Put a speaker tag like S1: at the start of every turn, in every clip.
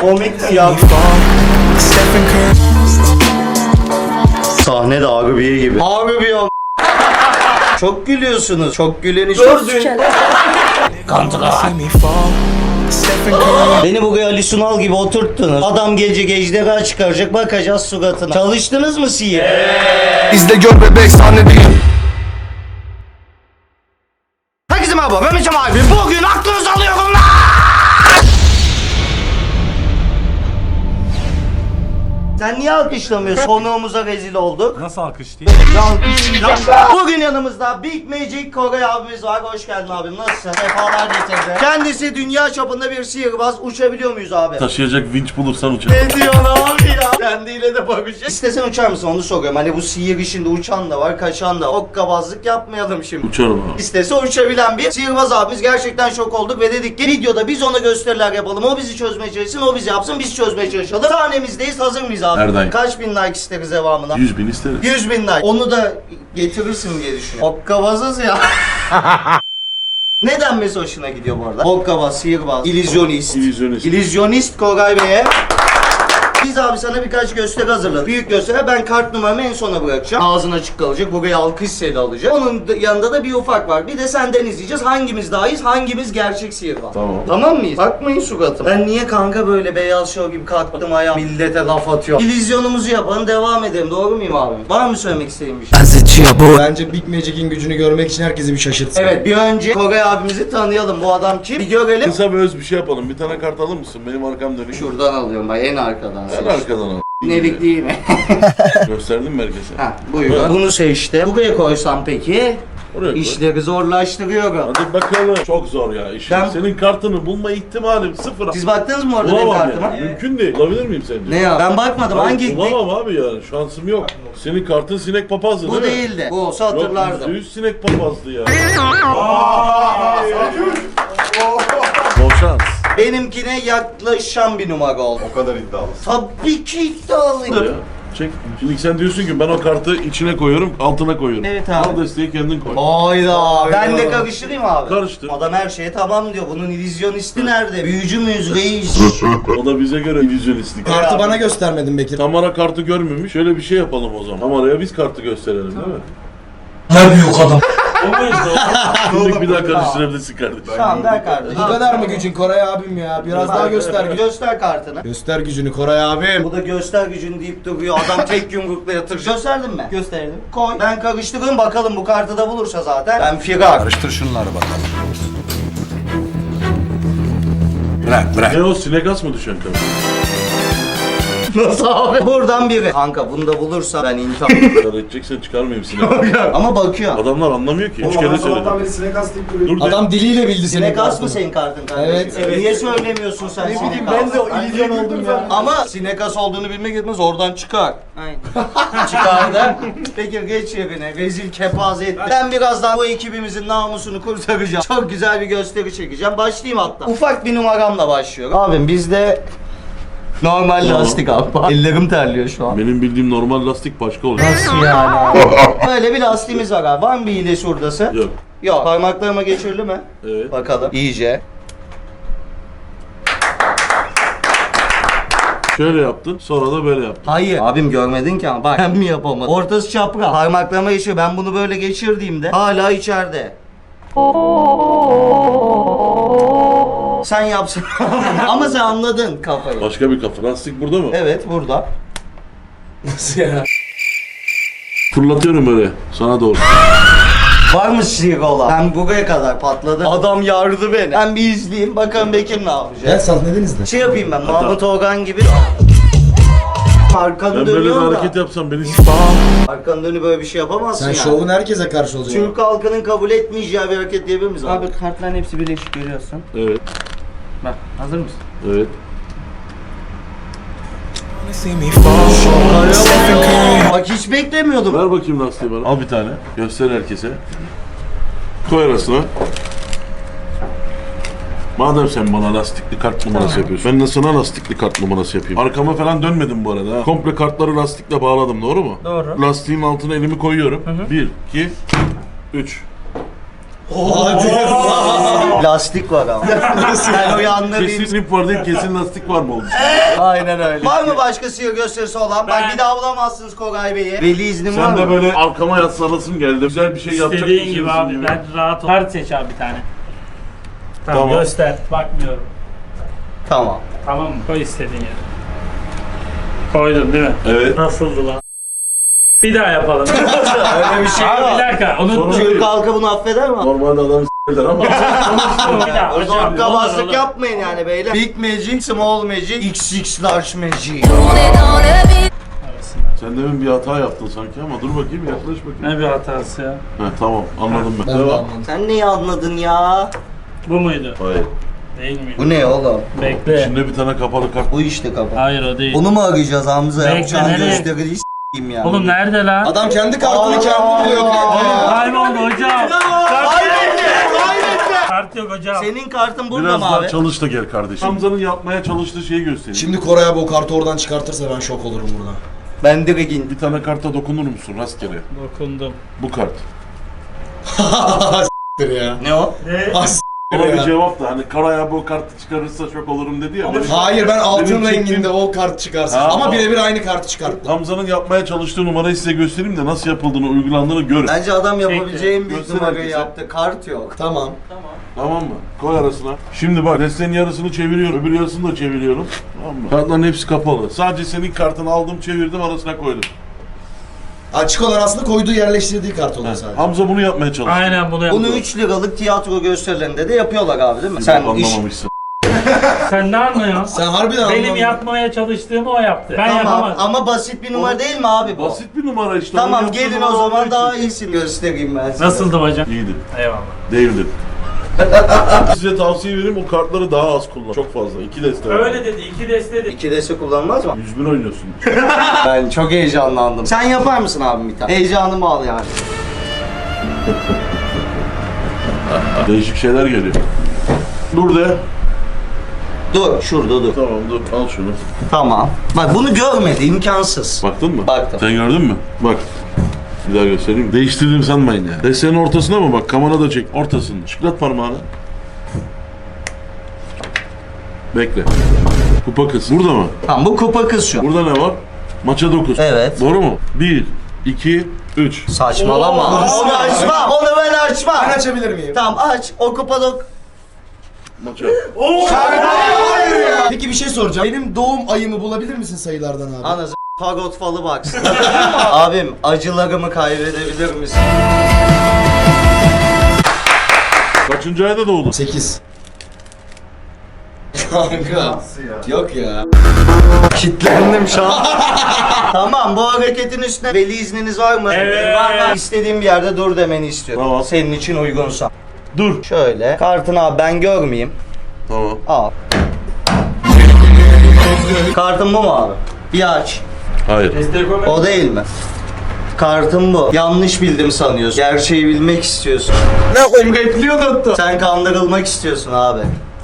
S1: Komik mi ya? Sahne de Harbiye gibi. Harbiye. Çok gülüyorsunuz. Çok güleni gördün. Beni buraya Ali Sunal gibi oturttunuz. Adam gece ejderha çıkaracak, bakacağız suratına. Çalıştınız mı sihir?
S2: İzle gör bebek sahne değil.
S1: Herkese merhaba, ben Meçem abi. Bugün aklınızı alıyorum lan! Sen niye alkışlamıyorsun? Konuğumuza rezil olduk.
S3: Nasıl alkış değil?
S1: Bugün yanımızda Big Magic Koray abimiz var. Hoş geldin abim. Nasılsın? Sefalar getirdi. Kendisi dünya çapında bir sihirbaz. Uçabiliyor muyuz abi?
S4: Taşıyacak vinç bulursan uçar.
S1: Ne diyorsun abi ya? Kendiyle de bakacak. İstesen uçar mısın onu soruyorum. Hani bu sihir işinde uçan da var, kaçan da var. Hokkabazlık yapmayalım şimdi.
S4: Uçarım abi.
S1: İstese uçabilen bir sihirbaz abimiz. Gerçekten şok olduk ve dedik ki videoda biz ona gösteriler yapalım. O bizi çözmeye çalışsın, o bizi yapsın, biz çözmeye çalışalım. Sahnemizdeyiz, hazır mıyız abi?
S4: Erdem.
S1: Kaç bin like isteriz devamına?
S4: 100.000 isteriz.
S1: 100 bin like. Onu da getirirsin diye düşünüyorum. Hokkabazız ya. Neden mesela hoşuna gidiyor bu arada? Hokkabaz, sihirbaz, illüzyonist.
S4: İllüzyonist.
S1: İllüzyonist Koray Bey'e. Biz abi sana birkaç gösteri hazırladık. Büyük gösteri, ben kart numaramı en sona bırakacağım. Ağzın açık kalacak. Buraya alkış seli alacak. Onun yanında da bir ufak var. Bir de senden izleyeceğiz. Hangimiz daha iyiyiz, hangimiz gerçek sihirbaz.
S4: Tamam.
S1: Tamam mıyız? Bakmayın suratıma. Ben niye kanka böyle beyaz şov gibi kalktım ayağa millete laf atıyorum. İllüzyonumuzu yapalım, devam edelim. Doğru muyum abi? Var mı söylemek istediğin bir şey?
S2: Bence Big Magic'in gücünü görmek için herkesi bir şaşırtsın.
S1: Evet, bir önce Koray abimizi tanıyalım. Bu adam kim? Bir görelim.
S4: Kısa ve öz bir şey yapalım. Bir tane kart alır mısın? Benim arkam dönük.
S1: Şuradan alıyorum ben, en arkadan.
S4: En arkadan al.
S1: Nelik değil mi?
S4: Gösterdim mi herkese?
S1: Ha, buyurun. Bunu seçtim. Buraya koysam peki?
S4: Oraya koy.
S1: İşleri zorlaştırıyorum.
S4: Hadi bakalım. Çok zor ya işin.
S1: Ben-
S4: Senin kartını bulma ihtimalim sıfır.
S1: Siz baktınız mı orada benim
S4: Bulamam
S1: kartıma?
S4: yani. Mümkün değil. Bulabilir miyim sence?
S1: Ne ya? Ben bakmadım. Hangi?
S4: Bulamam abi yani. Şansım yok. Senin kartın sinek papazdı
S1: Bu
S4: değil mi?
S1: değildi. Bu olsa
S4: Yok,
S1: hatırlardım.
S4: %100 sinek papazdı ya. Bol şans.
S1: Benimkine yaklaşan bir numara oldu.
S2: O kadar iddialısın.
S1: Tabii ki iddialıyım.
S4: Ya, çek. Şimdi sen diyorsun ki ben o kartı içine koyuyorum, altına koyuyorum.
S1: Evet abi.
S4: Al desteği kendin koy.
S1: Hayda. Ben de karıştırayım abi.
S4: Karıştır.
S1: Adam her şeye tamam diyor. Bunun illüzyonisti nerede? Büyücü müyüz reis?
S4: O da bize göre illüzyonistlik.
S2: Kartı bana göstermedin Bekir.
S4: Tamara kartı görmemiş. Şöyle bir şey yapalım o zaman. Tamara'ya biz kartı gösterelim değil mi?
S2: Ne büyük adam.
S4: Şimdi bir daha karıştırabilirsin kardeşim.
S1: Tamam ver kardeşim.
S2: Bu kadar mı gücün Koray abim ya? Biraz daha göster gücünü.
S1: Göster kartını.
S2: Göster gücünü Koray abim.
S1: Bu da göster gücünü deyip duruyor. Adam tek yumrukla yatır. Gösterdin mi? Gösterdim. Koy. Ben karıştırıyorum bakalım bu kartı da bulursa zaten. Ben firar.
S2: Karıştır şunları bakalım. Bırak.
S4: Ne o sinek as mı düşen kardeşim?
S1: Nasıl abi? Buradan biri. Kanka bunu da bulursa ben intihar.
S4: Kar edeceksen çıkarmayayım sinek.
S1: Ama bakıyor.
S4: Adamlar anlamıyor ki. 3 kere söyledim.
S2: sinek as deyip
S4: Dur de.
S2: Adam diliyle bildi
S1: Sinek as mı
S2: kartını.
S1: senin kartın kardeşim?
S2: Evet.
S1: Niye söylemiyorsun sen sinek as?
S2: Ben de o illüzyon oldum ya.
S1: Ama sinek as olduğunu bilmek yetmez oradan çıkar. Aynen. Çıkar da. Peki geç yerine. Rezil kepaze etti. Ben birazdan bu ekibimizin namusunu kurtaracağım. Çok güzel bir gösteri çekeceğim. Başlayayım hatta. Ufak bir numaramla başlıyorum. Abim bizde normal lastik abi. Ellerim terliyor şu an.
S4: Benim bildiğim normal lastik başka oluyor.
S1: Nasıl yani? Böyle bir lastiğimiz var abi. Var mı bir iğne şuradası?
S4: Yok.
S1: Yok. Parmaklarıma geçirdi mi?
S4: Evet.
S1: Bakalım. İyice.
S4: Şöyle yaptın, sonra da böyle yaptın.
S1: Hayır. Abim görmedin ki ama bak ben mi yapamadım? Ortası çapraz. Parmaklarıma geçiyor. Ben bunu böyle geçirdiğimde hala içeride. Sen yapsın. Ama sen anladın kafayı.
S4: Başka bir kafa. Lastik burada mı?
S1: Evet burada.
S2: Nasıl ya?
S4: Fırlatıyorum böyle sana doğru.
S1: Var mı sigola? Ben buraya kadar patladı. Adam yardı beni. Ben bir izleyeyim. Bakalım Bekir ne yapacak.
S2: Gel sahnedeniz de.
S1: Şey yapayım ben. Mahmut Orhan gibi. Arkanı
S4: Ben böyle bir
S1: dönüyorsun da.
S4: hareket yapsam beni
S1: Arkanı dönüp böyle bir şey yapamazsın
S2: Sen
S1: yani.
S2: şovun herkese karşı olacaksın.
S1: Türk halkının kabul etmeyeceği bir hareket diyebilir miyiz abi?
S5: Abi kartların hepsi birleşik görüyorsun.
S4: Evet,
S5: Bak hazır mısın?
S4: evet.
S1: Bak hiç beklemiyordum.
S4: Ver bakayım lastiği bana. Al bir tane. Göster herkese. Koy arasına. Madem sen bana lastikli kart numarası yapıyorsun, ben de sana lastikli kart numarası yapayım. Arkama falan dönmedim bu arada ha. Komple kartları lastikle bağladım, doğru mu?
S5: Doğru.
S4: Lastiğin altına elimi koyuyorum. 1, 2, 3.
S1: Lastik var ama. Ben uyandı
S4: Kesin ip var değil, kesin lastik var mı olmuş?
S1: Aynen öyle. Var mı başka sihir gösterisi olan? Bak bir daha bulamazsınız Koray Bey'i. Veli iznim var
S4: Sen de
S1: mı?
S4: böyle arkama yaslanasın geldi. Güzel bir şey yapacak
S3: İstediğin
S4: mısın?
S3: gibi abi ben rahat ol. Kart seç abi bir tane. Tamam,
S4: Tamam.
S3: göster. Bakmıyorum.
S1: Tamam.
S3: Tamam mı? Koy istediğin yere. Koydun değil mi?
S4: Evet.
S3: Nasıldı lan? Bir daha yapalım.
S1: Öyle bir şey
S3: Abi bir
S1: yok.
S3: dakika unutma.
S1: Türk halkı bunu affeder mi?
S4: Normalde adam s**ler ama.
S3: Bir daha
S1: O zaman
S3: hocam.
S1: kabaslık
S3: olur.
S1: yapmayın yani beyler. Big Magic, Small Magic, XX Large Magic.
S3: Arasında.
S4: Sen demin bir hata yaptın sanki ama dur bakayım yaklaş bakayım.
S3: Ne bir hatası ya?
S4: Heh, tamam anladım ben.
S2: Ben de
S4: Devam.
S2: anladım.
S1: Sen neyi anladın ya?
S3: Bu muydu?
S4: Hayır.
S3: Değil miydi?
S1: Bu ne oğlum?
S3: Bekle.
S4: İçinde bir tane kapalı kart.
S1: Bu işte kapat.
S3: Hayır o değil.
S1: Onu mu arayacağız Hamza?
S3: Bekle,
S1: Yapacağın
S3: nereye?
S1: gösteriyi s**eyim ya.
S3: Oğlum nerede lan?
S2: Adam kendi kartını
S1: Allah
S2: kendi buluyor
S1: Allah.
S2: kanka.
S3: Kayboldu hocam.
S1: Kaybetti! Kaybetti!
S3: Kart yok hocam.
S1: Senin kartın burada
S4: Biraz
S1: mı
S4: daha
S1: abi?
S4: çalış da gel kardeşim. Hamza'nın yapmaya çalıştığı şeyi göstereyim.
S2: Şimdi Koray abi o kartı oradan çıkartırsa ben şok olurum burada.
S1: Ben direkt indim.
S4: Bir tane karta dokunur musun rastgele?
S3: Dokundum.
S4: Bu kart.
S2: S**tir ya.
S1: Ne o?
S3: Ne?
S2: Ah, s**tir
S4: Ona bir
S2: ya.
S4: cevap da hani Karaya bu kartı çıkarırsa şok olurum dedi ya. benim-
S2: Hayır ben altın
S4: Benim çektiğim-
S2: renginde o kart çıkarsın.
S4: Ha,
S2: Ama
S4: ama-
S2: birebir aynı kartı çıkarttı.
S4: Hamza'nın yapmaya çalıştığı numarayı size göstereyim de nasıl yapıldığını, uygulandığını görün.
S1: Bence adam yapabileceği en büyük
S4: Göster
S1: numarayı
S4: herkese.
S1: yaptı. Kart yok.
S2: Tamam.
S4: Tamam mı? Koy arasına. Şimdi bak destenin yarısını çeviriyorum, öbür yarısını da çeviriyorum. Tamam mı? Kartların hepsi kapalı. Sadece senin kartını aldım, çevirdim, arasına koydum.
S2: Açık olan aslında koyduğu yerleştirdiği kart oluyor sadece.
S4: Hamza bunu yapmaya çalıştı.
S3: Aynen bunu
S1: Bunu
S3: yaptım.
S1: 3 liralık tiyatro gösterilerinde de yapıyorlar abi değil mi? Sen iş...
S4: anlamamışsın.
S3: Sen ne anlıyorsun?
S2: Sen harbiden
S3: Benim
S2: anlamadın.
S3: yapmaya çalıştığımı o yaptı. Ben
S1: Tamam
S3: yapamadım.
S1: ama basit bir numara değil mi abi bu?
S4: Basit bir numara işte.
S1: Tamam
S4: Onun yaptığı
S1: gelin
S4: numara
S1: o zaman
S4: olduğu
S1: daha
S4: için.
S1: iyisini göstereyim ben size.
S3: Nasıldı hocam?
S4: İyiydi.
S3: Eyvallah.
S4: Değildi. Size tavsiye vereyim o kartları daha az kullan. Çok fazla. 2 deste var.
S3: Öyle dedi. 2 deste dedi.
S1: 2 dese kullanmaz mı?
S4: 100 bin oynuyorsun.
S1: Ben çok heyecanlandım. Sen yapar mısın abi bir tane? Heyecanımı al yani.
S4: Değişik şeyler geliyor. Dur de.
S1: Dur şurada dur.
S4: Tamam dur al şunu.
S1: Tamam. Bak bunu görmedi imkansız.
S4: Baktın mı?
S1: Baktım.
S4: Sen gördün mü? Bak. Bir daha göstereyim. Değiştirdim sanmayın ya. Desenin ortasına mı bak? Kamera da çek. Ortasını. Şıklat parmağını. Bekle. Kupa kız. Burada mı?
S1: Tamam bu kupa kız şu.
S4: Burada ne var? Maça 9.
S1: Evet.
S4: Doğru mu? 1, 2, 3.
S1: Saçmalama. Onu açma. Onu ben açma.
S2: Ben açabilir miyim?
S1: Tamam aç. O kupada...
S4: Maça.
S2: Peki bir şey soracağım. Benim doğum ayımı bulabilir misin sayılardan abi?
S1: Anasını fagot falı baksın. Abim acılarımı kaybedebilir misin?
S4: Kaçıncı ayda doğdun?
S2: 8. Kanka. Yok ya.
S1: Kitlendim şu an. Tamam bu hareketin üstüne veli izniniz var mı?
S3: Evet.
S1: Var. İstediğim bir yerde dur demeni istiyorum.
S4: Tamam.
S1: Senin için uygunsa.
S4: Dur.
S1: Şöyle. Kartını abi ben görmeyeyim.
S4: Tamam.
S1: Al. Kartın bu mu abi? Bir aç.
S4: Hayır.
S3: Deste koy.
S1: O değil mi? Kartın bu. Yanlış bildim sanıyorsun. Gerçeği bilmek istiyorsun.
S2: Ne koyayım repliği unuttum.
S1: Sen kandırılmak istiyorsun abi.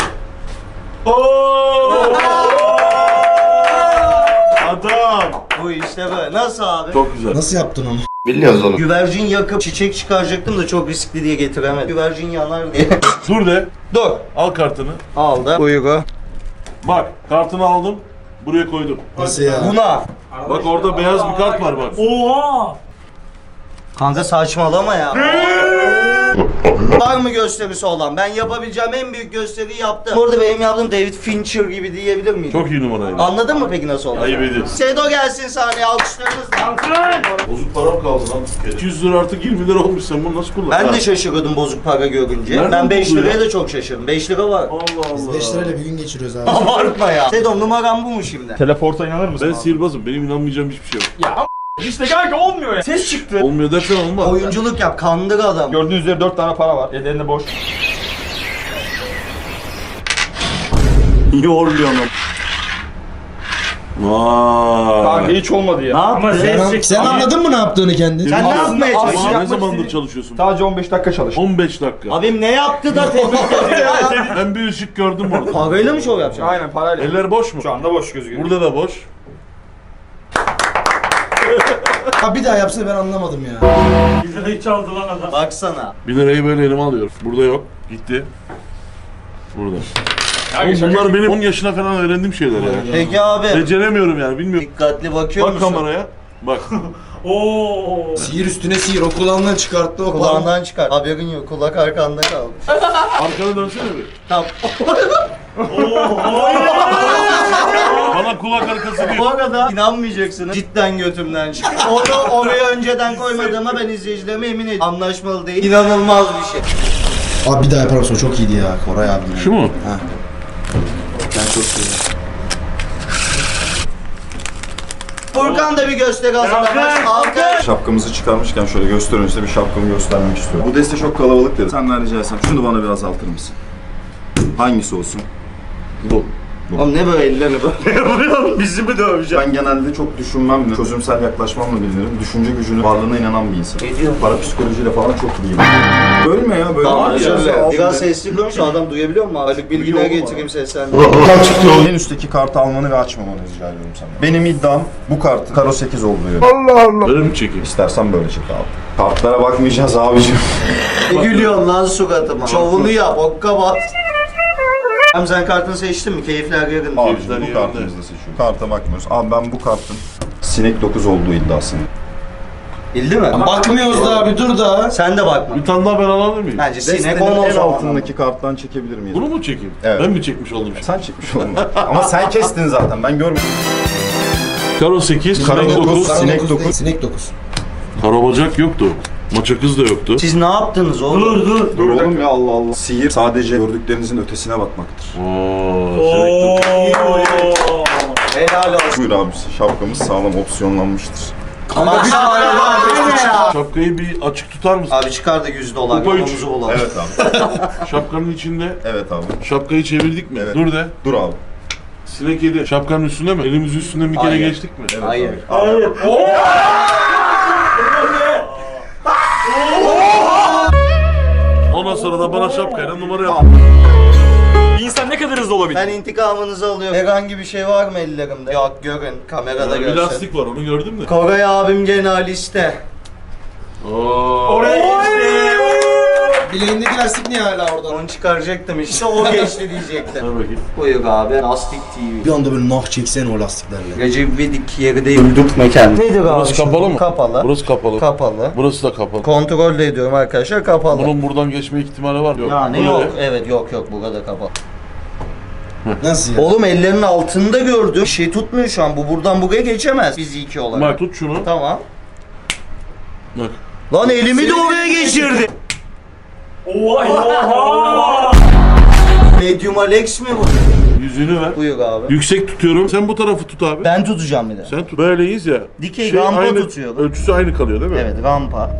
S4: Adam.
S1: Bu işte böyle. Nasıl abi?
S4: Çok güzel.
S2: Nasıl yaptın onu?
S1: Güvercin yakıp çiçek çıkaracaktım da çok riskli diye getiremedim. Güvercin yanar diye.
S4: Dur de.
S1: Dur.
S4: Al kartını.
S1: Aldı. Uygu.
S4: Bak kartını aldım. Buraya koydum.
S2: Nasıl ya?
S1: Buna.
S4: Bak orada beyaz bir kart var bak.
S3: Oha!
S1: Kanka saçmalama ya. Var mı gösterisi olan? Ben yapabileceğim en büyük gösteriyi yaptım. Burada benim yaptığım David Fincher gibi diyebilir miyim?
S4: Çok iyi numaraydı.
S1: Anladın mı peki nasıl oldu?
S4: Ayıp ediyorsun.
S1: Sedo gelsin sahneye alkışlarınızla.
S4: Bozuk param kaldı lan. 200 lira artık 20 lira olmuş sen bunu nasıl kullan?
S1: Ben
S4: Ha.
S1: de şaşırıyordum bozuk para görünce.
S4: Nereden
S1: Ben 5
S4: buldu ya?
S1: liraya da çok şaşırdım. 5 lira var.
S4: Allah Allah.
S2: 5 lirayla bir gün geçiriyoruz abi.
S1: Abartma ya. Sedo numaram bu mu şimdi?
S6: Teleporta inanır mısın?
S4: Ben sihirbazım. Benim inanmayacağım hiçbir şey yok.
S6: İşte kanka olmuyor ya. Ses çıktı.
S4: Olmuyor dersen olmaz.
S1: Oyunculuk yap, kandır adam.
S6: Gördüğünüz üzere 4 tane para var. Ellerinde boş.
S1: Yorluyorum.
S4: Vay.
S6: Kanka hiç olmadı
S1: Ne
S6: ya.
S3: Ama
S1: yaptın?
S3: ses çıktı.
S2: Sen anladın mı ne yaptığını kendin?
S1: Sen ne yapmaya
S6: Aslında-
S1: çalışıyorsun?
S4: Ne
S6: yapmak
S4: zamandır
S6: istediğim-
S4: çalışıyorsun?
S6: Sadece 15 dakika çalış.
S4: 15 dakika.
S1: Abim ne yaptı da tebrik ediyor ya?
S4: Ben bir ışık gördüm orada.
S1: Parayla mı şov yapacaksın?
S6: Aynen parayla.
S4: Eller boş mu?
S6: Şu anda boş gözüküyor.
S4: Burada da boş.
S2: Ha bir daha yapsa ben anlamadım ya.
S3: Bizi de çaldı lan adam.
S1: Baksana.
S4: 1 lirayı böyle elime alıyorum. Burada yok. Gitti. Burada. Oğlum bunlar benim 10 yaşına falan öğrendiğim şeyler ya.
S1: Peki abi.
S4: Beceremiyorum yani bilmiyorum.
S1: Dikkatli bakıyor
S4: Bak
S1: musun?
S4: kameraya. Bak.
S3: Oo.
S2: Sihir üstüne sihir. O kulağından çıkarttı o kulağından.
S1: Kulağından çıkar. Haberin yok. Kulak arkanda kalmış.
S4: Arkana dönsene bir.
S1: Tamam.
S4: Bana kulak arkası değil.
S1: Bu arada inanmayacaksınız. Cidden götümden çıktı. Onu oraya önceden koymadığıma ben izleyicilerime emin ediyorum. Anlaşmalı değil. İnanılmaz bir şey.
S2: Abi bir daha yapar mısın? O çok iyiydi ya Koray abi.
S4: Şu mu?
S2: Ha. Ben çok seviyorum.
S1: Furkan da bir gösteri hazırlamış. Alkış.
S7: Şapkamızı çıkarmışken şöyle göster önce bir şapkamı göstermek istiyorum. Bu deste çok kalabalık dedi. Senden rica etsem şunu bana biraz azaltır mısın? Hangisi olsun?
S4: Bu.
S1: Oğlum ne böyle ellerini böyle yapıyorsun? Bizi mi döveceksin?
S7: Ben genelde çok düşünmemle, çözümsel yaklaşmamla bilinirim. Düşünce gücünün varlığına inanan bir insanım.
S1: Ne diyorsun?
S7: Parapsikolojiyle falan çok iyiyim. Bölme ya böyle.
S1: Tamam
S7: bir
S1: şöyle. Biraz sesli konuş, adam duyabiliyor mu? Haluk Bilginer'e
S7: Duyuyor mu?
S1: getireyim seslerini.
S7: En üstteki kartı almanı ve açmamanı rica ediyorum sana. Benim iddiam bu kartın karo 8 olduğu yönde.
S4: Böyle mi çekeyim?
S7: İstersen böyle çek abi. Kartlara bakmayacağız abicim.
S1: Ne gülüyorsun lan suratıma? Şovunu yap, okka bas. Hem sen kartını seçtin mi? Keyifler yakın.
S7: Abicim bu kartımızda seçiyorum. Karta bakmıyoruz. Abi ben bu kartın sinek 9 olduğu iddiasını.
S1: Bildi mi?
S2: Bakmıyoruz da abi dur da.
S1: Sen de bakma.
S4: Bir tane daha ben alabilir miyim?
S1: Bence sinek
S7: Destenin
S1: 10 o
S7: en
S1: zaman.
S7: altındaki karttan çekebilir miyiz?
S4: Bunu mu çekeyim?
S7: Evet.
S4: Ben mi çekmiş oldum şimdi?
S7: Sen çekmiş oldun. Ama sen kestin zaten. Ben görmedim.
S4: Karo 8,
S7: Karo
S4: sinek 9.
S7: 9, sinek
S2: Dokuz
S7: 9.
S2: değil, Sinek 9.
S4: Karo bacak yoktu. Maça kız da yoktu.
S1: Siz ne yaptınız oğlum?
S7: Dur oğlum ya Allah Allah. Sihir sadece gördüklerinizin ötesine bakmaktır.
S4: Ooo, sinek 9.
S1: Helal olsun.
S7: Buyur abi şapkamız sağlam opsiyonlanmıştır.
S1: Ama bir ya.
S4: Şapkayı bir açık tutar mısın?
S1: Abi çıkar da $100
S4: Kupa üç.
S1: yolumuzu bulalım.
S7: Evet abi.
S4: Şapkanın içinde
S7: Evet abi.
S4: şapkayı çevirdik mi?
S7: Evet.
S4: Dur de.
S7: Dur abi.
S4: Sinek yedi. Şapkanın üstünde mi? Elimizin üstünden bir kere
S1: Hayır.
S4: geçtik mi?
S7: Evet
S1: Hayır.
S7: abi.
S4: Ondan sonra da bana şapkayla numara yap.
S6: Bir insan ne kadar hızlı olabilir?
S1: Ben intikamınızı alıyorum. Herhangi bir şey var mı ellerimde? Yok görün. Kamerada
S4: Bir
S1: görsün.
S4: lastik var onu gördün mü?
S1: Koray abim gene liste.
S4: Oo.
S2: Bileğindeki lastik niye hala orada?
S1: Onu çıkaracaktım işte o geçti diyecektim.
S4: Ver bakayım.
S1: Buyur abi. Lastik TV.
S2: Bir anda böyle nah çeksene o lastiklerle.
S1: Recep İvedik yeri değil. Öldürtme kendini. Nedir abi?
S4: Burası kapalı mı?
S1: Kapalı.
S4: Burası kapalı.
S1: Kapalı.
S4: Burası da kapalı.
S1: Kontrol de ediyorum arkadaşlar kapalı.
S4: Bunun buradan geçme ihtimali var. Yok.
S1: Yani
S4: Bu
S1: yok.
S4: ne?
S1: Evet yok burada kapalı.
S2: Nasıl ya?
S1: Oğlum ellerinin altında gördüm. Bir şey tutmuyor şu an. Bu buradan buraya geçemez fiziki olarak.
S4: Bak tut şunu.
S1: Tamam.
S4: Bak.
S1: Lan elimi de oraya geçirdi.
S3: Oha.
S1: Medium Alex mi bu?
S4: Yüzünü ver.
S1: Buyur abi.
S4: Yüksek tutuyorum. Sen bu tarafı tut abi.
S1: Ben tutacağım bir de.
S4: Sen tut. Böyleyiz ya.
S1: Dikey rampa
S4: aynı,
S1: tutuyorum.
S4: ölçüsü aynı kalıyor değil mi?
S1: Evet rampa.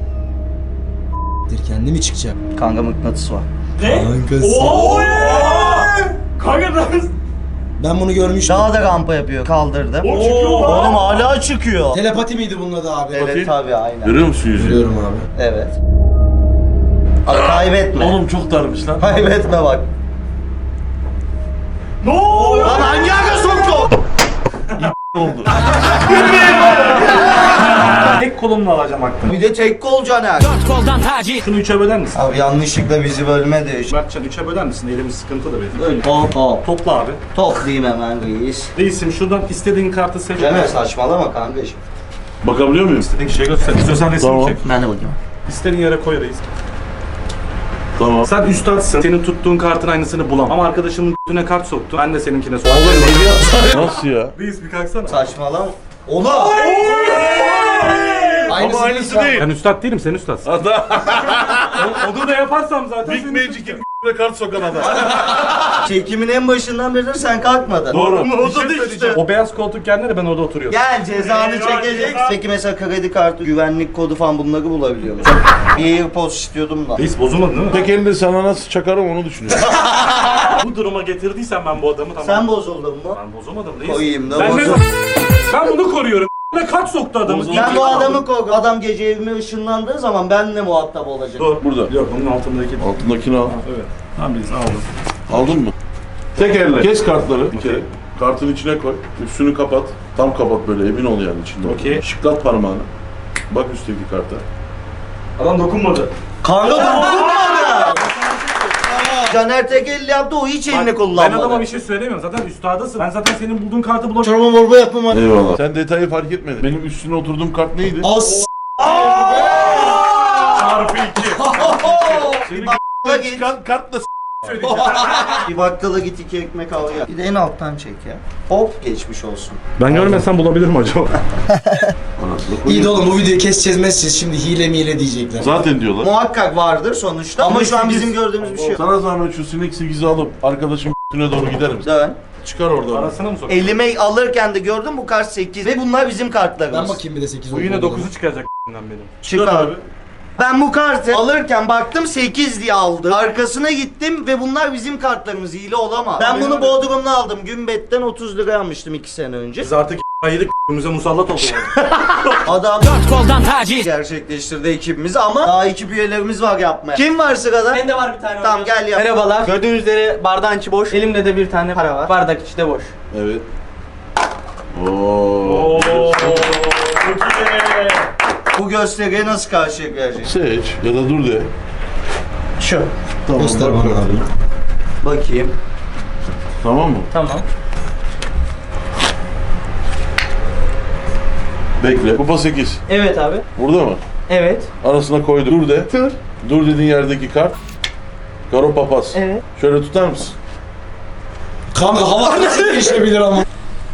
S2: Kendi mi çıkacak?
S1: Kanka mıknatıs var.
S3: Ne?
S2: Kankası.
S3: Oha. Kanka nasıl?
S2: Ben bunu görmüştüm.
S1: Daha da rampa yapıyor. Kaldırdım.
S3: O çıkıyor lan.
S1: Oğlum hala çıkıyor.
S2: Telepati miydi bunun adı abi?
S1: Evet
S4: Bakayım.
S1: tabii aynen.
S4: Görüyor musun yüzünü?
S2: Görüyorum abi.
S1: Evet. Abi kaybetme.
S4: Oğlum çok darmış lan.
S1: Kaybetme bak.
S3: Ne oluyor?
S1: Lan hangi aga soktu?
S4: oldu.
S6: Tek kolumla alacağım aklını.
S1: Bir de tek kol Caner.
S6: Şunu 3'e böler misin?
S1: Abi yanlışlıkla bizi bölmedi.
S6: Mertcan 3'e böler misin? Elimiz sıkıntı da benim.
S1: Öyle. Hop.
S6: Topla abi.
S1: Toplayayım hemen reis.
S6: Reisim şuradan istediğin kartı seç.
S1: Caner saçmalama kardeşim.
S4: Bakabiliyor muyum?
S6: İstediğin şey göster. İstiyorsan resim
S4: Tamam.
S6: çek.
S1: Ben de bakayım.
S6: İstediğin yere koy reis.
S4: Tamam.
S6: Sen üstadsın. Senin tuttuğun kartın aynısını bulamam. Ama arkadaşımın üstüne kart soktu. Ben de seninkine soktum.
S1: Oğlum ne diyorsun?
S4: Nasıl ya?
S6: Reis bir kalksana.
S1: Saçmalama. Oğlum.
S4: Ama aynısı değil.
S6: Ben üstad değilim, sen ustadsın.
S4: Adam.
S6: Onu da yaparsam zaten
S4: Big
S6: senin
S4: Magic'in kart sokan adam.
S1: Çekimin en başından beri sen kalkmadın.
S4: Doğru.
S1: O da işte.
S6: O beyaz koltuk yerine ben orada oturuyorum.
S1: Gel cezanı çekeceksin. Peki mesela kredi kartı, güvenlik kodu falan bunları bulabiliyor musun? Bir AirPods istiyordum da.
S6: Reis bozulmadı değil mi?
S4: Tek elinde sana nasıl çakarım onu düşünüyorum.
S6: Bu duruma getirdiysen ben bu adamı tamam.
S1: Sen bozuldun mu?
S6: Ben bozulmadım reis.
S1: Koyayım da
S6: Ben,
S1: bozul.
S6: ben bunu koruyorum. Ne kart soktu adamı.
S1: Ben bu adamı korkuyorum. Adam gece evime ışınlandığı zaman benimle muhatap olacak.
S6: Dur.
S4: Burada.
S6: Yok bunun altındaki.
S4: Altındakini al.
S6: Evet. Tamam reis aldım.
S4: Aldın mı? Tek elle. Kes kartları bir kere. Kartın içine koy. Üstünü kapat. Tam kapat böyle emin ol yani içinde.
S6: Okey.
S4: Şıklat parmağını. Bak üstteki karta.
S6: Adam dokunmadı.
S1: Kanka dokunmadı. Caner tek elle yaptı, o hiç elini
S6: Ben
S1: kullanmadı.
S6: adama bir şey söylemiyorum. Zaten üstadısın. Ben zaten senin bulduğun kartı bulamıyorum.
S2: Çorba morba yapma.
S4: Eyvallah. Sen detayı fark etmedin. Benim üstüne oturduğum kart neydi?
S2: As.
S4: Çarpı 2. Senin
S1: Bakkala git.
S4: çıkan kartla
S6: Söyleyeceğim.
S1: Bir bakkala git 2 ekmek al ya. Bir de en alttan çek ya. Hop geçmiş olsun.
S6: Ben görmesem bulabilirim acaba.
S2: İyi de oğlum bu videoyu keseceğiz meseceğiz. Şimdi hile mile diyecekler.
S4: Zaten diyorlar.
S1: Muhakkak vardır sonuçta ama şu an bizim gördüğümüz bir şey yok.
S4: Sana zahmet şu sinek 8'i alıp arkadaşım üstüne doğru gider misin?
S1: Dön.
S4: Çıkar oradan.
S6: Arasına mı sok?
S1: Elime alırken de gördüm bu kart 8 ve bunlar bizim kartlarımız.
S2: Ben bakayım bir de 8
S6: Bu yine 9'u çıkacak benim.
S1: Çıkar. Ben bu kartı alırken baktım 8 diye aldım. Arkasına gittim ve bunlar bizim kartlarımız, hile olamaz. Ben bunu Bodrum'da aldım. Gümbet'ten 30 liraya almıştım 2 sene önce.
S6: Biz artık ayırık bize musallat oldu.
S1: Adam gerçekleştirdi ekibimizi ama daha ekip üyelerimiz var yapmaya. Kim var sırada?
S5: Bende var bir tane.
S1: Tamam
S5: hocam.
S1: gel yap.
S5: Merhabalar. Gördüğünüz üzere bardağın içi boş. Elimde de bir tane para var. Bardak içi de boş.
S4: Evet. Oo.
S1: Bu gösteriye nasıl karşıya gelecek?
S4: Seç ya da dur de.
S1: Şu.
S4: Tamam,
S2: Göster
S4: bak.
S2: bana abi.
S1: Bakayım.
S4: Tamam mı?
S5: Tamam.
S4: Bekle. Kupa 8.
S5: Evet abi.
S4: Burada mı?
S5: Evet.
S4: Arasına koydum. Dur de.
S5: Dur.
S4: Dur dediğin yerdeki kart. Karo papaz.
S5: Evet.
S4: Şöyle tutar mısın?
S2: Kanka hava nasıl değişebilir ama.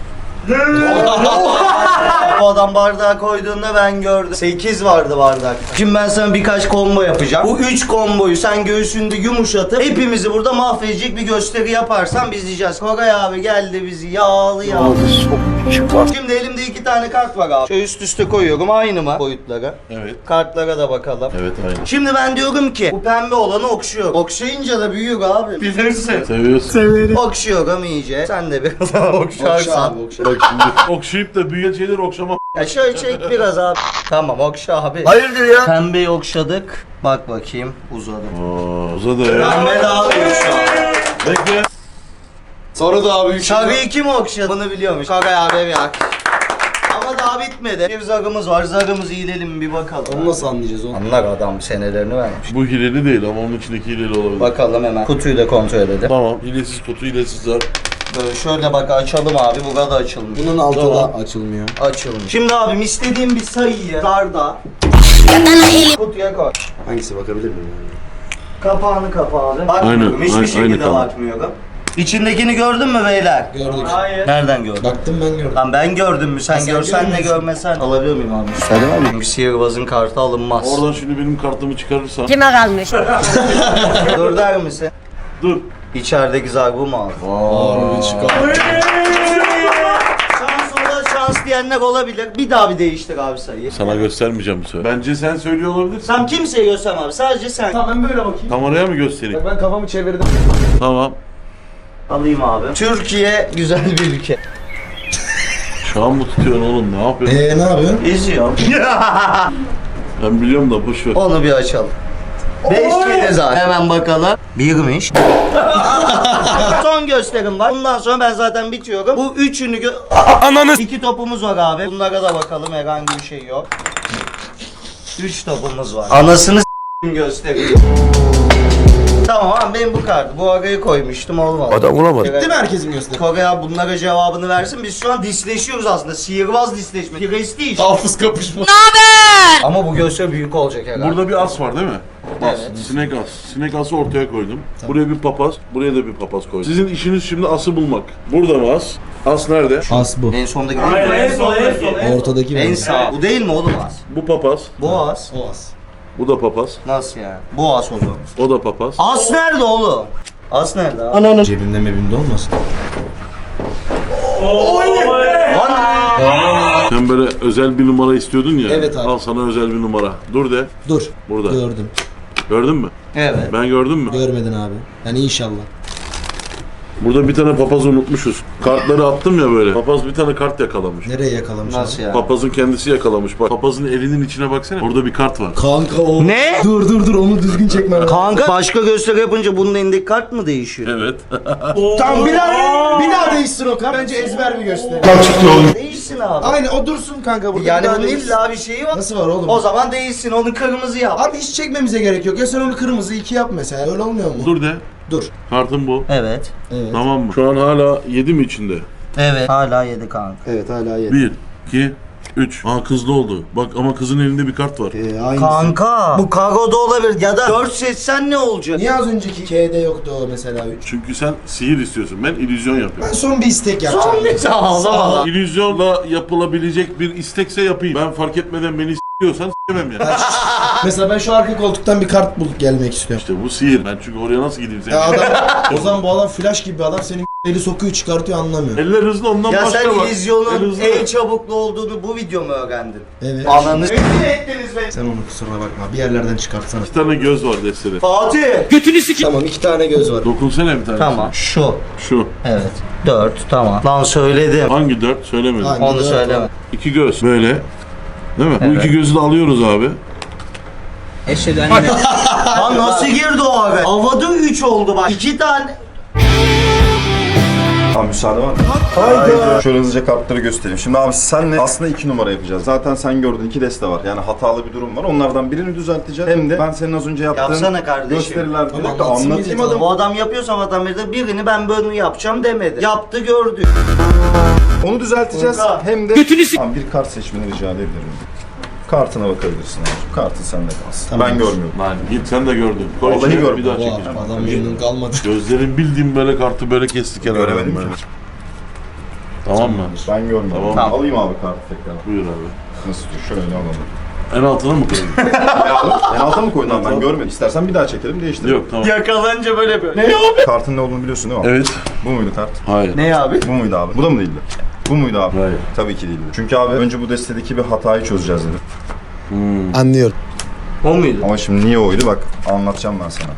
S1: Bu adam bardağı koyduğunda ben gördüm. 8 vardı bardak. Şimdi ben sana birkaç combo yapacağım. Bu 3 komboyu sen göğsünde yumuşatıp hepimizi burada mahvedecek bir gösteri yaparsan biz diyeceğiz. Koray abi geldi bizi yağlı. Şimdi elimde 2 tane kart var abi. Şöyle üst üste koyuyorum aynı mı boyutlara?
S4: Evet.
S1: Kartlara da bakalım.
S4: Evet aynı.
S1: Şimdi ben diyorum ki bu pembe olanı okşuyor. Okşayınca da büyüyor abi. Bilirsin.
S4: Seviyorsun.
S1: Okşuyorum iyice. Sen de biraz
S2: Okşa
S1: okşarsan.
S2: abi okşa.
S4: Bak şimdi okşayıp da büyüyen şeyleri okşama.
S1: Ya şöyle çek biraz abi. Tamam okşa abi. Hayırdır ya? Pembeyi okşadık. Bak bakayım uzadı.
S4: Aa, uzadı ya.
S1: Pembe daha büyük şu an.
S4: Bekle.
S2: Sonra da abi
S1: Şarkıyı kim okşadı? Bunu biliyormuş. Şarkı abi ya. Ama daha bitmedi. Bir zarımız var. Zarımızı ilelim bir bakalım.
S2: Onu nasıl anlayacağız onu?
S1: Anlar adam senelerini vermiş.
S4: Bu hileli değil ama onun içindeki hileli olabilir.
S1: Bakalım hemen. Kutuyu da kontrol edelim.
S4: Tamam. Hilesiz kutu, hilesiz zar.
S1: Böyle şöyle bak açalım abi. Burada açılmış.
S2: Bunun altı
S4: Tamam.
S2: da açılmıyor.
S1: Açılmış. Şimdi abim istediğim bir sayıyı zarda kutuya koy.
S2: Hangisi bakabilir miyim?
S1: Kapağını kapa abi. Bakmıyorum.
S4: Aynen,
S1: Hiçbir
S4: aynı
S1: şekilde
S4: kanal.
S1: bakmıyorum. İçindekini gördün mü beyler?
S2: Gördük.
S5: Hayır.
S1: Nereden gördün?
S2: Baktım ben gördüm.
S1: Lan ben gördüm mü? Sen
S2: Sen
S1: görsen de
S2: görmüyorsun.
S1: görmesen. Alabiliyor muyum abi? Müsaade var mı? Çünkü sihirbazın kartı alınmaz.
S4: Oradan şimdi benim kartımı çıkarırsan.
S8: Kime kalmış?
S1: Dur der misin?
S4: Dur.
S1: İçerideki zar bu mu abi?
S2: Harbi çıkar.
S1: Şans ola şans diyenler olabilir. Bir daha bir değiştir abi sayıyı.
S4: Sana göstermeyeceğim bu sefer. Bence sen söylüyor olabilirsin.
S1: Sen kimseye gösterme abi. Sadece sen.
S2: Tamam ben böyle bakayım.
S4: Kameraya mı göstereyim?
S2: Ben kafamı çevirdim.
S4: Tamam.
S1: Alayım abi. Türkiye güzel bir ülke.
S4: Şu an mı tutuyorsun oğlum? Ne yapıyorsun?
S2: Ne yapıyorsun?
S1: İzliyorum.
S4: Ben biliyorum da boş ver.
S1: Onu bir açalım. 5 kere zaten. Hemen bakalım. Birmiş. Son gösterim var. Bundan sonra ben zaten bitiyorum. Bu üçünü Ananı 2 topumuz var abi. Bunlara da bakalım, herhangi bir şey yok. 3 topumuz var. Anasını göstereyim. Tamam abi benim bu kartı. Bu araya koymuştum olmadı.
S4: Adam bulamadı.
S2: Değil mi herkesin gösteri?
S1: Kore abi bunlara cevabını versin. Biz şu an disleşiyoruz aslında. Sihirbaz disleşme. Prestij.
S2: Hafız kapışma.
S1: Ama bu gösteri büyük olacak herhalde.
S4: Burada bir as var değil mi? As.
S1: Evet.
S4: Sinek as. Sinek ası ortaya koydum. Buraya bir papaz, buraya da bir papaz koydum. Sizin işiniz şimdi ası bulmak. Burada mı as? As nerede?
S2: As bu.
S1: En sondaki
S5: Hayır,
S1: değil mi?
S5: en son, en son.
S2: Ortadaki
S1: En
S2: mi?
S1: sağ. Bu değil mi oğlum az?
S4: Bu papaz,
S1: Bu az.
S2: O as.
S4: bu da papaz,
S1: Nasıl yani? Bu as o zaman.
S4: o da papaz.
S1: As nerede oğlum? As nerede abi?
S2: Cebimde mebimde olmasın?
S4: Sen böyle özel bir numara istiyordun ya.
S2: Evet abi.
S4: Al sana özel bir numara. Dur de.
S2: Dur.
S4: Burada.
S2: Gördüm.
S4: Gördün mü?
S1: Evet.
S4: Ben gördün mü?
S2: Görmedin abi. Yani inşallah.
S4: Burada bir tane papaz unutmuşuz. Kartları attım ya böyle. Papaz bir tane kart yakalamış.
S2: Nereye yakalamış
S1: Nasıl
S2: abi?
S1: yani?
S4: Papazın kendisi yakalamış. Bak papazın elinin içine baksana. Orada bir kart var.
S2: Kanka o.
S1: Ne?
S2: Dur onu düzgün çekme.
S1: Kanka başka gösteri yapınca bunun elindeki kart mı değişiyor?
S4: Evet.
S2: Tamam bir daha değişsin o kart. Bence ezber bir gösteri.
S1: Değişsin abi.
S2: Aynen o dursun kanka burada.
S1: Yani
S2: Bir daha
S1: bunun
S2: değişsin.
S1: illa bir şeyi var.
S2: Nasıl var oğlum?
S1: O zaman değişsin, onu kırmızı yap.
S2: Abi hiç çekmemize gerek yok. Ya sen onu kırmızı 2 yap mesela. Öyle olmuyor mu?
S4: Dur de.
S2: Dur.
S4: Kartın bu.
S1: Evet.
S2: Evet.
S4: Tamam mı? Şu an hala 7 mi içinde?
S1: Evet. Hala 7 kanka.
S2: Evet hala yedi.
S4: 1, 2, 3. Aa kızlı oldu. Bak ama kızın elinde bir kart var.
S2: Aynısı.
S1: Kanka bu kagoda olabilir ya da 4 seçsen ne olacak?
S2: Niye az önceki K'de yoktu o mesela 3?
S4: Çünkü sen sihir istiyorsun. Ben illüzyon
S2: Ben
S4: yapıyorum.
S2: son bir istek yapacağım.
S1: Ağlama.
S4: İllüzyonla yapılabilecek bir istekse yapayım. Ben fark etmeden beni s**iyorsan s**emem yani.
S2: Mesela ben şu arka koltuktan bir kart bulup gelmek istiyorum.
S4: İşte bu sihir. Ben çünkü oraya nasıl gideyim
S2: Ya
S4: senin?
S2: adam, o zaman bu adam flash gibi bir adam senin eli sokuyor çıkartıyor anlamıyor.
S4: Eller hızlı ondan
S1: Ya
S4: başka
S1: sen
S4: bak.
S1: illüzyonun
S4: El hızlı.
S1: en çabuklu olduğunu bu video mu öğrendin?
S2: Evet.
S1: Ananı ettiniz be.
S2: Sen onu kusura bakma bir yerlerden çıkartsana.
S4: 2 tane göz var destede.
S1: Fatih.
S2: Tamam 2 tane göz var.
S4: Dokunsana bir tanesine.
S1: Tamam şu.
S4: Şu.
S1: Evet. 4 tamam. Lan söyledim.
S4: Hangi 4? Söylemedim.
S2: Hangi?
S1: Onu
S2: dört
S1: söyleme.
S2: var.
S4: 2 göz. Böyle. Değil mi? Bu
S1: Evet.
S4: 2 gözü de alıyoruz abi.
S1: Lan nasıl girdi o abi? Havada 3 oldu bak. 2 tane.
S7: Tamam müsaade var mı? Haydi. Şöyle hızlıca kartları göstereyim. Şimdi abi senle aslında 2 numara yapacağız. Zaten sen gördün 2 deste var. Yani hatalı bir durum var. Onlardan birini düzelteceğiz. Hem de ben senin az önce yaptığın
S1: Yapsana kardeşim.
S7: gösteriler
S2: Tamam,
S7: direkt de
S2: anlatsın
S7: anlatayım.
S2: bize.
S1: Bu adam yapıyorsa vatandaşta birini ben böyle yapacağım demedi. Yaptı gördük.
S7: Onu düzelteceğiz.
S1: Kanka.
S7: Hem de Tamam, bir kart seçmeni rica edebilirim. Kartına bakabilirsin abi. Kartın sende kalsın.
S2: Tamam.
S7: Ben görmüyorum.
S4: Lan git sen de gördün. Koy
S7: Vallahi
S4: içine,
S7: görmedim.
S4: bir daha
S2: Oha,
S4: çekeceğim.
S2: adam memnun kalmadı.
S4: Gözlerin bildiğim böyle kartı böyle kesti kenara.
S7: Göremedim
S4: böyle.
S7: ki.
S4: Tamam mı?
S7: Ben görmüyorum.
S4: Tamam.
S7: Alayım abi kartı tekrar.
S4: Buyur abi.
S7: Nasıl diyor? Şöyle alalım.
S4: En altına mı koyayım?
S7: En alta mı koydun abi? Ben görmedim. İstersen bir daha çekelim değiştirelim.
S4: Yok tamam.
S1: Yakalanınca böyle böyle. Ne?
S7: Kartın ne olduğunu biliyorsun değil mi?
S4: Evet.
S7: Bu muydu kart?
S4: Hayır.
S1: Ne abi?
S7: Bu muydu abi? Bu da mı değildi? Bu muydu abi?
S4: Hayır.
S7: Tabii ki değildi. Çünkü abi önce bu destedeki bir hatayı çözeceğiz dedim.
S2: Anlıyorum.
S1: O muydu?
S7: Ama şimdi niye oydu bak anlatacağım ben sana.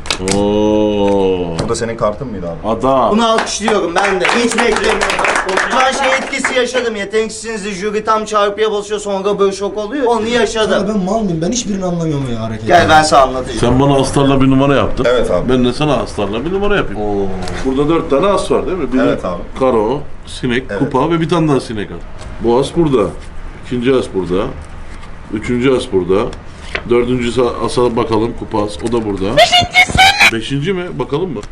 S4: Oo.
S7: Bu da senin kartın mıydı abi?
S4: Adam.
S1: Bunu alkışlıyorum ben de. Hiç beklemiyorum. Ben şey etkisi yaşadım. Yeteneksizsiniz jüri tam çarpıya basıyor sonra böyle şok oluyor. Onu
S2: Ya
S1: yaşadım.
S2: ben mal mıyım? Ben hiçbirini anlamıyorum ya hareketi.
S1: Gel ben sana anlatacağım.
S4: Sen bana astarla bir numara yaptın.
S7: Evet abi.
S4: Ben de sana astarla bir numara yapayım.
S1: Oo.
S4: Burada 4 tane as var değil mi? Biri
S7: Evet abi.
S4: karo, sinek,
S7: Evet.
S4: kupa ve bir tane daha sinek var. Bu as burada. İkinci as burada. Üçüncü as burada. Dördüncü asa bakalım kupa as. O da burada. Beşinci mi? Bakalım mı?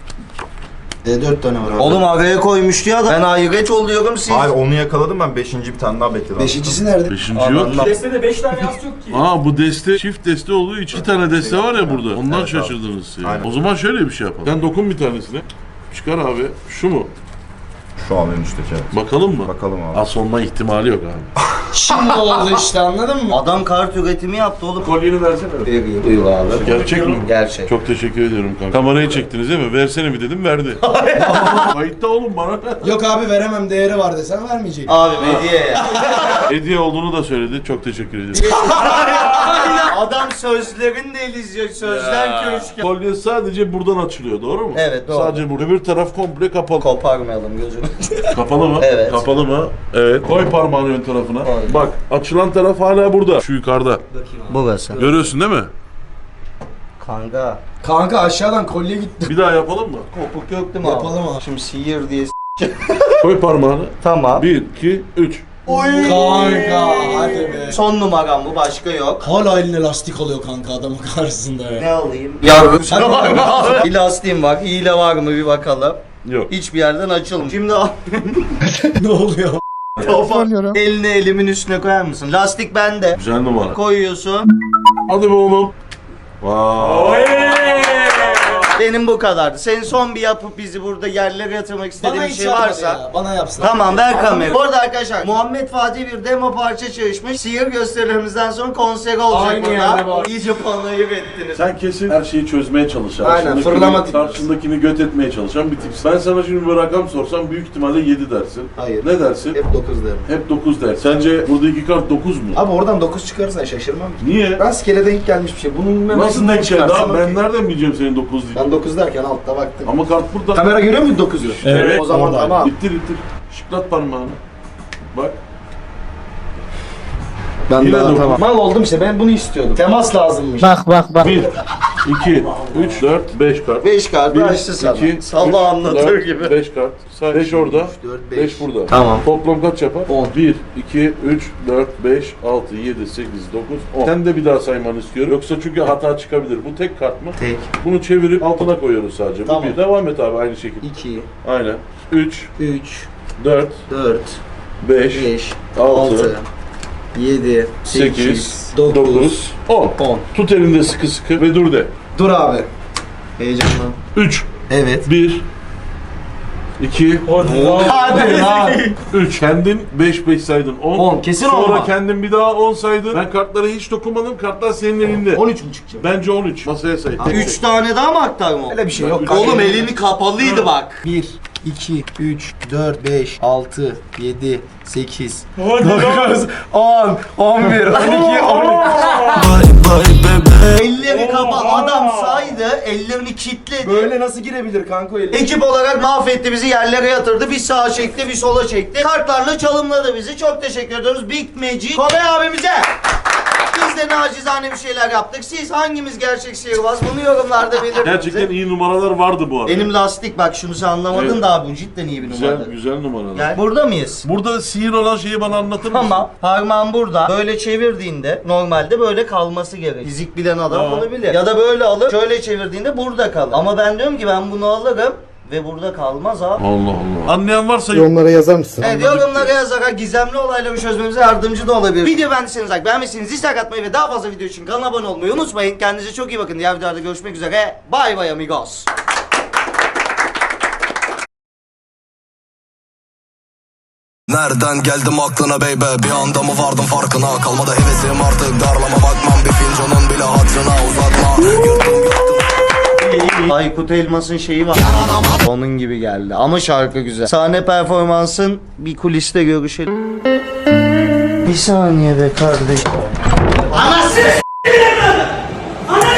S2: 4 tane var.
S1: Oğlum araya koymuştu ya da ben hayret oluyorum siz.
S7: Hayır onu yakaladım ben 5. bir tane daha bekledim.
S2: Beşincisi nerede?
S4: Beşinci yok.
S1: Allah.
S3: Destede 5 tane yas yok ki.
S4: Aa bu deste çift deste olduğu için 2 tane deste var ya burada. Ondan
S7: Evet abi.
S4: şaşırdınız siz.
S7: Aynen.
S4: O zaman şöyle bir şey yapalım. Sen dokun bir tanesine. Çıkar abi. Şu mu?
S7: Şu an en üstteki evet.
S4: Bakalım mı?
S7: Bakalım abi.
S4: As olma ihtimali yok abi.
S2: Şimdi oldu işte anladın mı?
S1: Adam kart üretimi yaptı oğlum.
S4: Kolyeni versene.
S1: Buyur abi.
S4: Gerçek mi?
S1: Gerçek.
S4: Çok teşekkür ediyorum kanka. Kamerayı çektiniz değil mi? Versene mi dedim verdi. Kayıtta oğlum bana.
S2: Yok abi veremem değeri var desen vermeyecek.
S1: Abi hediye ya.
S4: Hediye olduğunu da söyledi. Çok teşekkür ediyorum.
S1: Adam sözlerini de izliyor. Sözler köşke.
S4: Kolye sadece buradan açılıyor doğru mu?
S1: Evet, doğru.
S4: Sadece burada. Öbür taraf komple kapalı.
S1: Koparmayalım gözünü.
S4: Kapalı mı?
S1: Evet.
S4: Kapalı mı? Evet. Koy parmağını ön tarafına.
S1: Koy.
S4: Bak açılan taraf hala burada. Şu yukarıda.
S1: Burası.
S4: Görüyorsun değil mi?
S1: Kanka.
S2: Kanka aşağıdan kolye gitti.
S4: Bir daha yapalım mı?
S1: Kopuk yok değil mi abi?
S2: Yapalım abi.
S1: Şimdi sihir diye
S4: Koy parmağını.
S1: Tamam.
S4: 1, 2, 3.
S2: Kanka hadi be.
S1: Son numaram bu başka yok.
S2: Hala eline lastik alıyor kanka adamın karşısında ya.
S1: Ne alayım? Yavrum şuna var mı abi? Bir lastiğim var. Hile var mı bir bakalım.
S4: Yok.
S1: Hiçbir yerden açılmıyor. Şimdi
S2: Ne oluyor?
S1: elini elimin üstüne koyar mısın? Lastik bende.
S4: Güzel numara.
S1: Koyuyorsun.
S4: Hadi be oğlum. Vay.
S1: Benim bu kadardı. Senin son bir yapıp bizi burada yerlere yatırmak istediğin bir
S2: hiç
S1: şey
S2: yapmadı
S1: varsa.
S2: ya, bana yapsın.
S1: Tamam ver kamerayı. Bu arada arkadaşlar Muhammed Fatih bir demo parça çalışmış. Sihir gösterilerimizden sonra konser olacak
S2: Aynı yerde
S1: burada.
S2: var.
S1: İyice panayır ettiniz.
S4: Sen kesin her şeyi çözmeye çalışan,
S2: Aynen,
S4: karşındakini-
S2: fırlama tipi.
S4: karşındakini göt etmeye çalışan bir tipsin. Ben sana şimdi bir rakam sorsam büyük ihtimalle 7 dersin.
S2: Hayır.
S4: Ne dersin?
S2: Hep 9 derim.
S4: Hep 9 der. Sence buradaki kart 9 mu?
S2: Abi oradan 9 çıkarırsan şaşırmam ki.
S4: Niye?
S2: Rastgele denk gelmiş bir şey. Bunun bilmem
S4: Nasıl
S2: nesinden
S4: denk geldi
S2: çıkarsan
S4: abi? Ben
S2: okey.
S4: nereden bileceğim senin 9 diye?
S2: Ben 9 derken altta baktım.
S4: Ama kart burada.
S2: Kamera görüyor muydu 9'u?
S4: Evet.
S2: O zaman
S4: Orada.
S2: tamam.
S4: İttir ittir. Şıklat parmağını. Bak.
S2: Ben
S4: Yine
S2: daha
S4: dokuz.
S2: tamam. Mal oldum işte ben bunu istiyordum. Temas lazımmış.
S4: 1, 2, 3, 4, 5 kart.
S1: 5 kart
S4: Bir,
S1: açtı sana.
S4: iki,
S1: Salla anlatır
S4: dört,
S1: gibi.
S4: 5 kart. Say. 5 orada,
S2: 4,
S4: 5 burada.
S1: Tamam.
S4: Toplam kaç yapar?
S2: 10.
S4: 1, 2, 3, 4, 5, 6, 7, 8, 9, 10. Sen de bir daha saymanı istiyorum. Yoksa çünkü hata çıkabilir. Bu tek kart mı?
S2: Tek.
S4: Bunu çevirip altına koyuyoruz sadece.
S1: Tamam.
S4: Bu bir. Devam et abi aynı şekilde.
S2: 2,
S4: Aynen. 3,
S2: 3,
S4: 4,
S2: 4,
S4: 5,
S2: 5,
S4: 6,
S2: 6, 7,
S4: 8,
S2: 8,
S4: 9,
S2: 9,
S4: 10.
S2: 10.
S4: Tut elinde sıkı sıkı ve dur de.
S2: Dur abi. Heyecanlan.
S4: 3,
S2: Evet.
S4: 1, 2,
S1: Hadi lan.
S4: 3. Kendin 5 saydın. 10.
S2: 10, kesin
S4: Sonra
S2: olma.
S4: kendin bir daha 10 saydın. Ben kartlara hiç dokunmadım. Kartlar senin elinde.
S2: 13 mu çıkacak?
S4: Bence 13. Masaya say. Tek
S1: 3 tane daha mı aktarma?
S2: Öyle bir şey yok.
S1: Oğlum elini kapalıydı bak.
S2: 1, 2, 3, 4, 5, 6, 7, 8,
S3: Hadi lan.
S2: 9, 10, 11, 12, 13.
S1: Elleri kapalı. Adam saydı, ellerini kilitledi.
S2: Böyle nasıl girebilir kanka öyle?
S1: Ekip olarak mahvetti bizi, yerlere yatırdı. Bir sağa çekti, bir sola çekti. Kartlarla çalımladı bizi. Çok teşekkür ediyoruz Big Magic Kobe abimize. Biz de nacizane bir şeyler yaptık. Siz hangimiz gerçek sihirbaz? Bunu yorumlarda belirtin.
S4: Gerçekten iyi numaralar vardı bu arada.
S1: Benim lastik bak şunu sen anlamadın
S4: Evet.
S1: da abi bu cidden iyi bir
S4: güzel
S1: numaradır.
S4: güzel numaralar.
S1: Gel. Burada mıyız?
S4: Burada sihir olan şeyi bana anlatır mısın?
S1: Tamam. Parmağın burada. Böyle çevirdiğinde normalde böyle kalması gerek. Fizik bilen adam
S4: Tamam.
S1: bunu bilir. Ya da böyle alıp şöyle çevirdiğinde burada kalır. Ama ben diyorum ki ben bunu alırım ve burada kalmaz abi.
S4: Allah Allah. Anlayan varsa
S8: Yorumlara yazar mısın?
S1: Evet, yorumlara yazarak gizemli olayları çözmemize yardımcı da olabilir. Video beğendiyseniz like, beğenmişsiniz dislike atmayı ve daha fazla video için kanala abone olmayı unutmayın. Kendinize çok iyi bakın. Diğer videolarda görüşmek üzere. Bye bye amigos.
S9: Nereden geldim aklına baby? Bir anda mı vardım farkına? Kalmadı hevesim artık, darlama bakmam. Bir fincanın bile hatırına uzatma.
S1: Aykut Elmas'ın şeyi var. Onun gibi geldi ama şarkı güzel. Sahne performansın bir kuliste görüşelim. Bir saniye be kardeşim. Anası!